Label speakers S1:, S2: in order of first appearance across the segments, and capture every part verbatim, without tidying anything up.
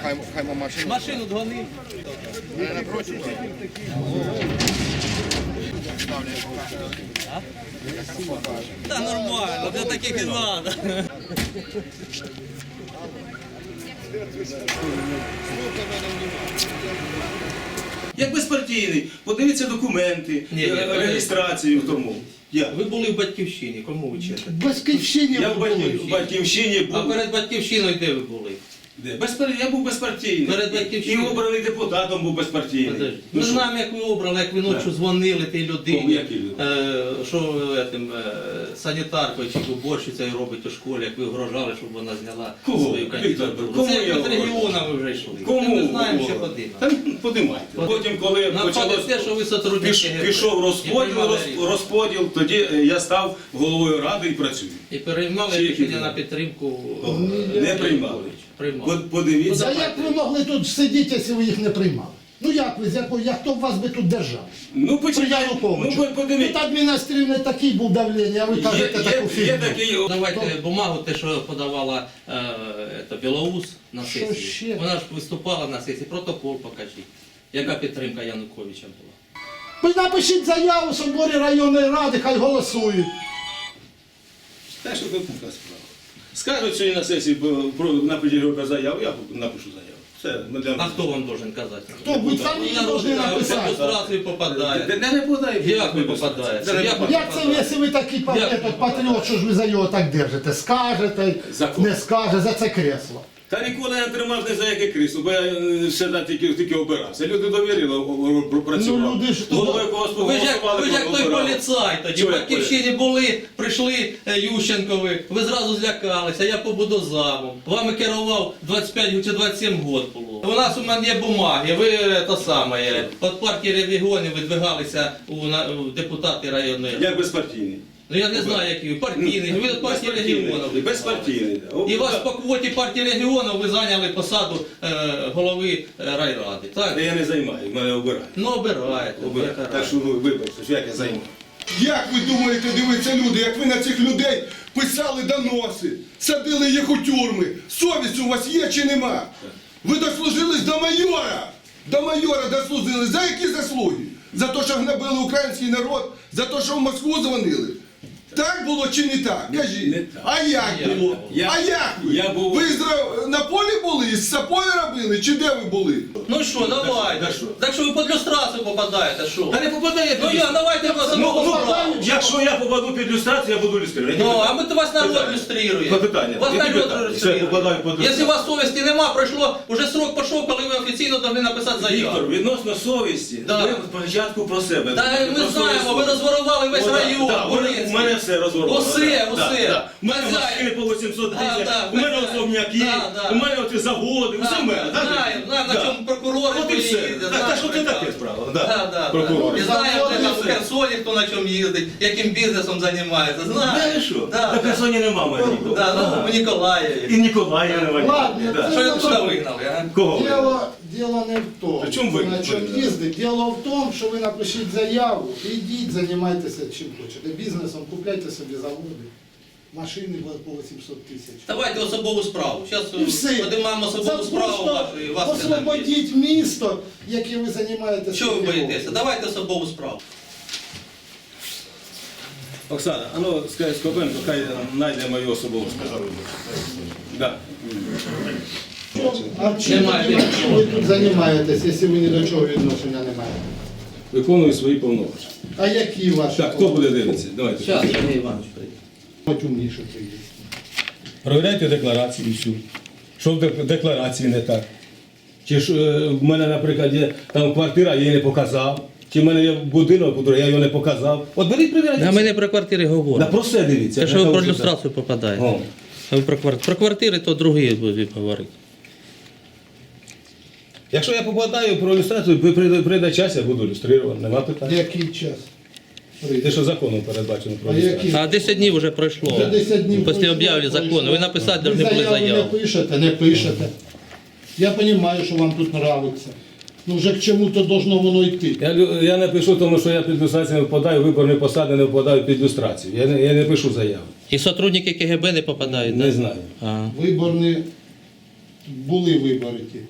S1: Хай, хай машину.
S2: Машину дгони. Та нормально, для таких і треба.
S3: Як безпартійний, подивіться документи,
S2: Ні, ні,
S3: е, реєстрацію в тому. Я.
S2: Ви були в Батьківщині, кому ви читаєте?
S4: Батьківщині
S3: Я в
S4: були.
S3: батьків- в Батьківщині
S2: А
S3: був.
S2: перед Батьківщиною де ви були?
S3: Де? Безпар... Я був безпартійний.
S2: Перед
S3: І
S2: Батьківщиною?
S3: обраний депутатом був безпартійний.
S2: Подожди.
S3: Ну,
S2: Ми
S3: що?
S2: знаємо, як ви обрали, як ви ночі
S3: Да.
S2: дзвонили тій
S3: Кому,
S2: людині,
S3: які люди?
S2: е, що ви етим, е, санітаркою чи уборщицею робить у школі, як ви вгрожали, щоб вона зняла
S3: Кого?
S2: свою
S3: Віктор,
S2: кандидатуру.
S3: кому
S2: Це
S3: я
S2: як від
S3: говорю?
S2: регіону ви вже йшли.
S3: Кому?
S2: Ми знаємо, що
S3: Кому?
S2: подивимо.
S3: Та подимайте. Потім, коли
S2: Нападе
S3: почалось,
S2: те, що ви сотрудники
S3: піш,
S2: ГП.
S3: пішов
S2: І
S3: розподіл,
S2: приймали
S3: роз-
S2: рішення.
S3: розподіл, тоді е, я став головою ради і працюю.
S2: І приймали
S3: Чи які
S2: рішення
S3: люди?
S2: на підтримку.
S3: Не приймали.
S2: Приймали.
S3: Под- Подивіться.
S4: А як ви могли тут сидіти, якщо ви їх не приймали? Ну як ви, з якого, як хто б вас би тут держав?
S3: Ну,
S4: При
S3: почекайте, ну,
S4: Януковичу.
S3: по- подивіться.
S4: Тут адміністративний такий був давлення, а ви
S3: Є,
S4: кажете таку
S3: є,
S4: фігню.
S3: є такий...
S2: Давайте бумагу, те, що подавала е, ета, Білоус на
S4: Що
S2: сесії.
S4: ще?
S2: Вона ж виступала на сесії. Протокол покажіть. Яка підтримка Януковича була?
S4: Ви напишіть заяву в соборі районної ради, хай голосують.
S3: Та що тут така справа? Скажуть сьогодні на сесії про- про напишіть заяву, я напишу заяву. Все, ми для
S2: А хто вам должен казати?
S4: Хто? Ви самі її повинні
S2: В
S4: написати.
S2: ілюстрацію попадає.
S3: Не, не, не подай.
S2: Як ви попадаєте? Як ви
S4: Як це ви, якщо ви такий па-
S2: Як?
S4: этот патріот, що ж ви за його так держите? Скажете,
S3: Закон.
S4: не скаже, за це кресло.
S3: Та ніколи я не тримав ні за яке крісло, бо я е, все тільки, тільки обирався. Люди довірили, о, о, працювали.
S4: Ну, люди ж-
S3: Головою когось
S2: Ви ж як,
S3: голосували,
S2: ви ж як той
S3: обирали.
S2: поліцай тоді. В
S3: Чого я
S2: Батьківщині були, прийшли е, Ющенкові, ви зразу злякалися, я побуду замом. Вами керував двадцять п'ять чи двадцять сім років було. У нас у мене є бумаги, ви е, то саме, е, від партії регіонів видвигалися у, на, у депутати районної.
S3: Як безпартійний.
S2: Ну я не знаю, які ви, партійний, ви від партії регіонів.
S3: Безпартійний.
S2: І вас по квоті партії регіонів ви зайняли посаду е, голови е, райради, так?
S3: Я не займаю, мене обирають.
S2: Ну обираєте.
S3: Обирають. Так що ну, вибачте, що як я займаю.
S5: Як ви думаєте, дивіться люди, як ви на цих людей писали доноси, садили їх у тюрми? Совість у вас є чи нема? Ви дослужились до майора! До майора дослужились. За які заслуги? За те, що гнобили український народ? За те, що в Москву дзвонили? Так було чи не так? Кажіть.
S3: Не так.
S5: А як
S2: Я-
S5: було?
S3: я-
S5: а як ви?
S3: я був-
S5: Ви зра- на полі були, з сапою робили, чи де ви були?
S2: Ну що, давайте.
S3: так що?
S2: Так що ви під люстрацію попадаєте, що?
S3: Та не попадає.
S2: Ну я, давайте вас
S3: Ну,
S2: одного
S3: ну,
S2: справу.
S3: якщо я попаду під люстрацію, я буду люструвати.
S2: Ну, а ми то вас народ
S3: Питання.
S2: люструє.
S3: Питання.
S2: Вас
S3: Які
S2: народ
S3: питання?
S2: люструє.
S3: Все, попадаю під люстрацію.
S2: Якщо у вас совісті нема, пройшло, уже срок пішов, коли ви офіційно повинні написати заяву.
S3: Віктор, відносно совісті,
S2: Да.
S3: ви спочатку про себе.
S2: Та
S3: Про
S2: ми
S3: свою
S2: знаємо, ви
S3: совість.
S2: розворували весь
S3: О, да,
S2: район,
S3: да, у мене-
S2: Волинський.
S3: У мене все розворовано.
S2: Усе,
S3: да,
S2: усе.
S3: да. У мене
S2: Хазяїн.
S3: машини по вісімсот
S2: Да,
S3: тисяч,
S2: да,
S3: у мене
S2: хазяїн.
S3: особняки,
S2: Да, да.
S3: у мене оті заводи,
S2: Да,
S3: усе в мене. да,
S2: знаємо, знаємо, на
S3: да.
S2: чому прокурори
S3: От і все.
S2: поїздять,
S3: Так,
S2: знаємо
S3: так, що це
S2: прекрасно.
S3: таке справа?
S2: Да, да, да.
S3: Прокурори.
S2: І знаємо, де там в
S3: Все.
S2: Херсоні, хто на чому їздить, яким бізнесом займається. Знаємо.
S3: Де ви що?
S2: Да,
S3: На
S2: да.
S3: Херсоні нема мене.
S2: Да, ну, в
S3: І
S2: Ніколаєві.
S3: Ніколая нема.
S4: Ладно,
S3: Да.
S4: це-
S2: Що ви туди вигнали, а?
S3: Кого?
S4: Діло, діло не в тому,
S3: При чому ви?
S4: на чому їздить. Діло в тому, що ви напишіть заяву, ідіть, займайтеся чим хочете. Бізнесом, купляйте собі заводи, машини по вісімсот тисяч.
S2: Давайте особову справу. Зараз
S4: І все.
S2: подимаємо
S4: Це
S2: особову справу
S4: просто
S2: вашу і вас не там є.
S4: освободіть місто, яким ви займаєтеся.
S2: Чого ви боїтеся? Давайте особову справу.
S3: Оксана, а ну скажи Скобенко, хай знайде мою особову справу. Да.
S4: А чим
S2: Немає
S4: тоді
S2: нічого.
S4: ви тут займаєтесь, якщо ви ні до чого відношення не маєте?
S3: Виконую свої повноваження.
S4: А які ваші?
S3: Так, хто буде дивитися? Давайте.
S2: Зараз, Сергій Іванович прийде.
S4: Хоч умніше приїзд.
S3: Провіряйте декларацію всю. Що в дек- декларації не так? Чи ж е, в мене, наприклад, є там квартира, я її не показав. Чи в мене є будинок, який я його не показав. От беріть, провіряйте.
S2: А ми не про квартири
S3: Да,
S2: говоримо.
S3: про все дивіться.
S2: Те, що ви
S3: Я
S2: про
S3: кажу,
S2: люстрацію попадаєте.
S3: О.
S2: А ви про квартири. Про квартири, то другі будуть говорити.
S3: Якщо я попадаю про ілюстрацію, при- прийде, прийде час, я буду ілюструвати, нема питань.
S4: Який час?
S3: Те, що законом передбачено про
S4: А
S3: ілюстрацію.
S4: які?
S2: А десять днів вже пройшло.
S4: Вже десять днів
S2: Після
S4: пройшло,
S2: об'яви закону.
S4: пройшло.
S2: Ви написати
S4: Ви
S2: повинні були
S4: заяву
S2: заяву.
S4: не пишете, не пишете. Я розумію, що вам тут подобається. Ну вже к чому-то должно воно йти.
S3: Я, лю- я не пишу, тому що я під люстрацію не впадаю, виборні посади не впадаю під люстрацію. Я не, я не пишу заяву.
S2: І сотрудники КГБ не попадають,
S3: Не
S2: так?
S3: знаю.
S2: А.
S4: Виборні, були вибори ті.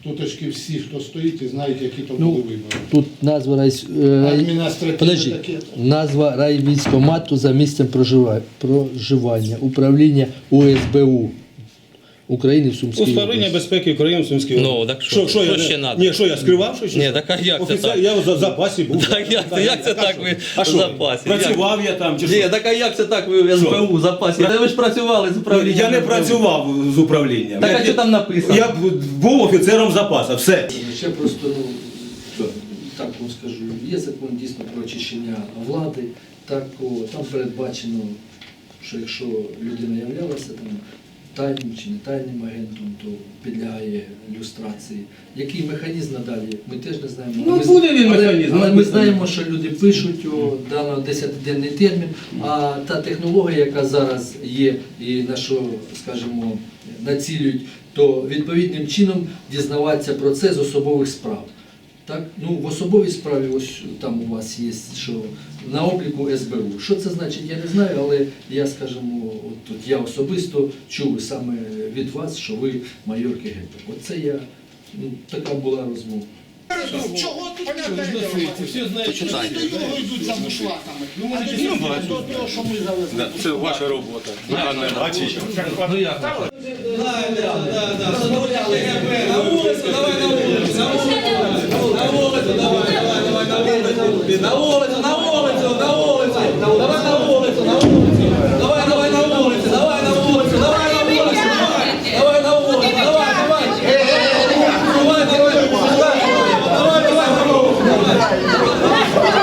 S4: Туточки всі, хто стоїть і знають, які то
S1: Ну,
S4: були вибори.
S1: Тут назва рай... е, рай...
S4: Адміністративне
S1: Подожди.
S4: таке.
S1: Назва райвійськкомату за місцем прожива- проживання. Управління У С Б У України в Сумській
S3: Управління
S1: області.
S3: безпеки України в Сумській
S2: Ну,
S3: області.
S2: так що? Що
S3: я,
S2: ще
S3: не-
S2: надо?
S3: Ні, що я скривав щось?
S2: Ні, так а як це
S3: Офіцер,
S2: так?
S3: я в за- запасі був.
S2: Так як це- як це так ви
S3: а
S2: в
S3: що,
S2: запасі?
S3: Працював я там чи
S2: Ні,
S3: що?
S2: так а як це так ви в С Б У в запасі? Та ви ж працювали з управлінням.
S3: Я не
S2: ес бе у.
S3: працював з управлінням.
S2: Так
S3: Я-
S2: а що там написано?
S3: Я був офіцером запасу, все.
S1: Ще просто, ну, так вам скажу, є закон дійсно про очищення влади, так, о, там передбачено, що якщо людина являлася там тайним чи не тайним агентом, то підлягає люстрації. Який механізм надалі, ми теж не знаємо.
S3: Ну,
S1: Ми-
S3: буде він
S1: але-
S3: механізм,
S1: Але
S3: але
S1: ми
S3: ми
S1: знаємо, що люди пишуть о, дано десятиденний термін, а та технологія, яка зараз є і на що, скажімо, націлюють, то відповідним чином дізнаватися про це з особових справ. Так? Ну, в особовій справі, ось там у вас є, що на обліку С Б У. Що це значить, я не знаю, але я, скажімо, от тут я особисто чув саме від вас, що ви майор Ка Ге Бе. Оце я, ну, така була розмова.
S4: Чого тут
S2: Всі знають, що
S4: Вони до нього йдуть за бушлатами. А до нього до того, що ми завезли.
S3: Це ваша робота.
S2: Ну як? Да, да, да, да. Розмовляли ге бе. На вулицю, давай на вулицю. На вулицю, на вулицю, давай, давай, давай, на вулицю. На вулицю, на вулицю, на вулицю. Давай на вулицю, на вулицю. Давай, давай на вулицю, давай на вулицю, давай на вулицю, давай. Давай на вулицю, давай, давай. Давай на вулицю, давай, давай на вулицю, давай.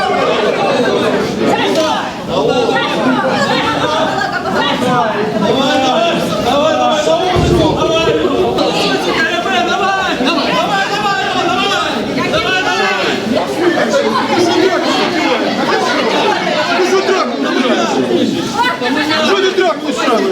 S5: Що ти драк устраиваешь?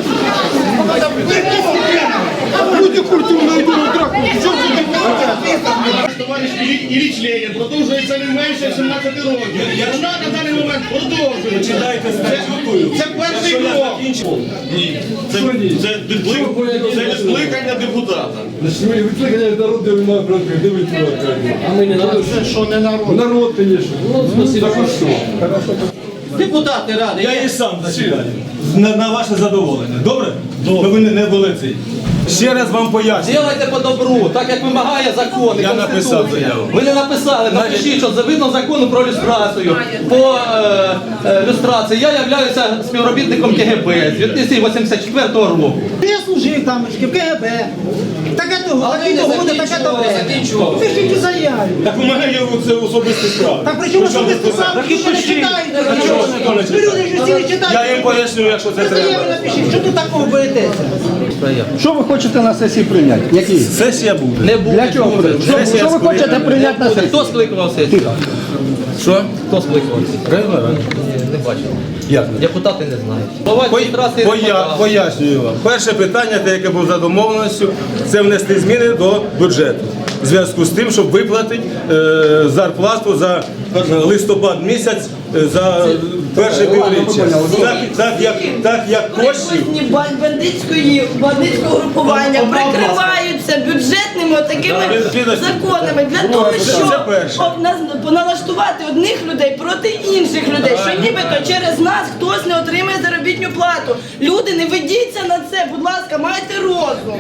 S5: Люди культурно йдуть на драк. Що це таке?
S6: Товариш Ілліч Ленін продовжується не менше сімнадцяти років. Вона на даний момент продовжує.
S3: Читайте статтю.
S6: Це перший крок. Ні. Це, це, відклик- це відкликання депутата.
S1: А ми не народ.
S4: Це що не народ.
S3: Народ, звісно.
S1: Депутати ради.
S3: Я і сам засідаю. На, на ваше задоволення. Добре? Добре. Ви не, не були цей. Ще раз вам поясню.
S2: Делайте по добру, так як вимагає закон і
S3: Я написав
S2: Конституція.
S3: заяву.
S2: Ви не написали, напишіть, що згідно закону про люстрацію. По е, е, люстрації я являюся співробітником Ка Ге Бе з дві тисячі вісімдесят четвертого року.
S7: Я служив там в Ка Ге Бе. Таке того,
S2: Але
S7: таке
S2: не
S7: того, таке
S2: закінчували,
S7: того.
S2: закінчували.
S7: Пишіть у заяві.
S3: Так у мене є це особисті справи.
S7: Так при чому особисто сам,
S3: Так і
S7: що не
S3: пишіть.
S7: читаєте?
S3: Так чого ви ніхто не
S7: Ви люди
S3: читає?
S7: ж всі не читаєте.
S3: Я їм поясню, якщо це
S7: Ви заяву
S3: треба.
S7: напишіть, що тут такого боїтеся?
S8: Що ви хочете на сесії прийняти? Які?
S3: Сесія буде.
S2: Не буде.
S8: Для чого?
S2: буде.
S8: Що,
S3: Сесія
S8: що ви
S3: скликана.
S8: хочете прийняти на сесії?
S2: Хто скликав сесію?
S3: Що?
S2: Хто скликав?
S3: Регулярно.
S2: Ні, не бачив.
S3: Як не?
S2: Депутати не знають. Голова адміністрації
S3: Поя-
S2: депутат.
S3: Пояснюю вам. Перше питання, те, яке було за домовленістю, це внести зміни до бюджету. В зв'язку з тим, щоб виплатити е, зарплату за е, листопад місяць, е, за перше півріччя. Так, так, як, так як коштів.
S9: Майбутні бандитської бандитського групування прикриваються бюджетними такими
S3: Підожди.
S9: законами для того,
S3: Це
S9: щоб
S3: перше.
S9: об- нас- налаштувати одних людей проти інших людей, що нібито через нас хтось не отримає заробітну плату. Люди, не ведіться на це, будь ласка, майте розум.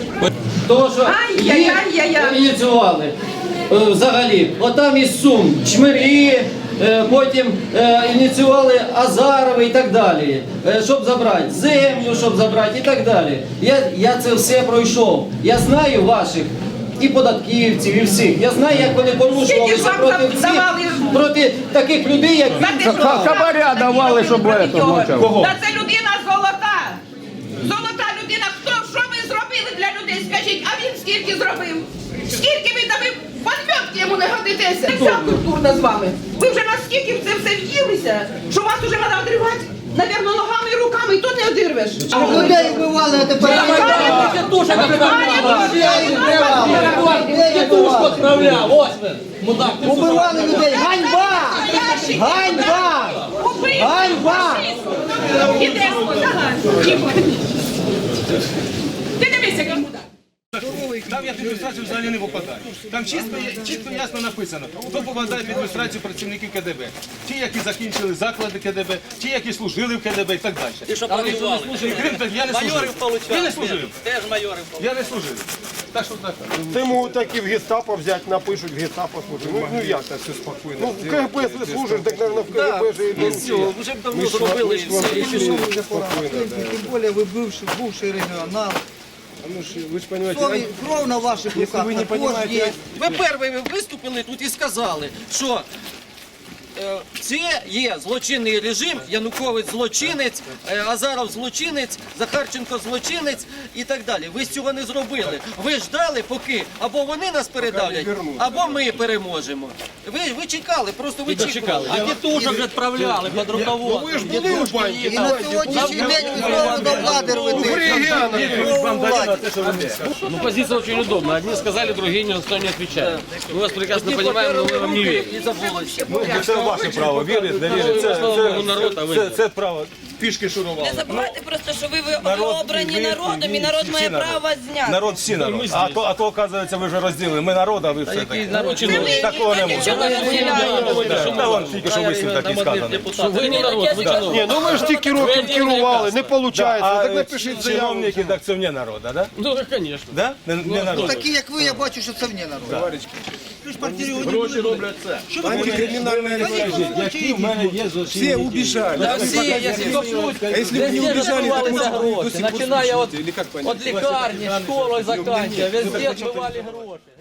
S10: Того, що
S9: Ай-яй-яй-яй-яй.
S10: ініціювали е, взагалі. Отам із Сум, Чмирі, е, потім е, ініціювали Азарови і так далі. Е, щоб забрати землю, щоб забрати і так далі. Я, я це все пройшов. Я знаю ваших і податківців, і всіх. Я знаю, як вони порушувалися
S9: вам
S10: проти
S9: там
S10: всіх,
S9: давали?
S10: проти таких людей, як
S8: Хабаря давали, щоб это мовчав.
S3: Кого?
S11: Та це людина золота. Золота людина. Хто, що ви зробили для людей? Скажіть, а він скільки зробив? Скільки ви дали? Подмьотки йому не годитеся. Вся культурна з вами. Ви вже наскільки в це все в'їлися, що вас вже треба одривати? Навірно, ногами і руками, і то не одирвеш.
S7: Людей вбивали, а тепер...
S2: Тітушку справляв, ось він. Мудак, ти
S7: Убивали людей. Ганьба! Ганьба! Ганьба!
S11: Іде, ага. Ти дивися, як мудак.
S3: Там я в адміністрацію взагалі не попадаю. Там чітко, чітко ясно написано, хто попадає в адміністрацію працівників КДБ. Ті, які закінчили заклади КДБ, ті, які служили в КДБ і так далі.
S10: І що воювали?
S3: І крім того, я не служив. Я не служив.
S10: Теж майорів
S3: Я не служив. Так що так.
S6: Ти можуть так і в гестапо взяти, напишуть в гестапо служити. Ну, ну як так все спокійно? Ну, в КГБ якщо служиш, так, мабуть, в КГБ же і
S10: і все, вже б давно зробили і все. І пішов.
S7: Тим більше ви бивший, бувший регіонал.
S6: Ну, ж, ви ж розумієте,
S7: Сові- Кров на ваших руках
S6: ви не
S7: також
S6: понімаєте,
S7: є.
S10: Ви перші виступили тут і сказали, що е, це є злочинний режим, Янукович злочинець, е, Азаров злочинець, Захарченко злочинець і так далі. Ви з цього не зробили. Ви ждали, поки або вони нас передавлять, або ми переможемо. Ви, ви чекали, просто ви чекали. А тітушок відправляли під руководством.
S6: ви ж були у банці.
S7: І на сьогоднішній день ви знову до влади рвете. Знову владі.
S12: Ну, позиция очень удобная. Одни сказали, другие никто не отвечает. Мы вас прекрасно понимаем, но мы вам не верим.
S10: І забулося.
S3: Це ваше право, вірити, не вірити. Це,
S12: Слава народ, а ви
S3: це, це право. Пішки шурували.
S9: Не забувайте просто, що ви, ви, ви
S3: Народ,
S9: обрані
S3: ви,
S9: народом,
S3: ви,
S9: і народ
S3: всі
S9: має
S3: народ.
S9: право вас зняти.
S3: Народ всі народ. А то, а то, оказується, ви вже розділили. Ми народ, а ви все таки.
S12: народ чиновник?
S3: Такого не може.
S9: Нічого не розділяєте.
S3: Та вон тільки що вислів такий сказаний.
S12: Что вы не народ, вы чиновник.
S6: Ні, ну ви ж тільки років керували, не виходить, так напишіть заяву.
S3: Чиновники, так це вне народа, да?
S12: Ну, конечно.
S3: Да? Не, не народ.
S7: Такі, як ви, я бачу, що це вне народ. Ви ж партію не
S6: Гроші роблять це. Антикримінальне
S3: Які в мене є злочинні дії?
S6: убіжали.
S10: Да всі, якщо
S6: А если бы не убежали, так
S10: відбувалися
S6: может быть до
S10: гроші,
S6: сих пор
S10: починая
S6: слушаете,
S10: от,
S6: или как понять?
S10: от лікарні, школи заканчивая, везде відбивали гроші.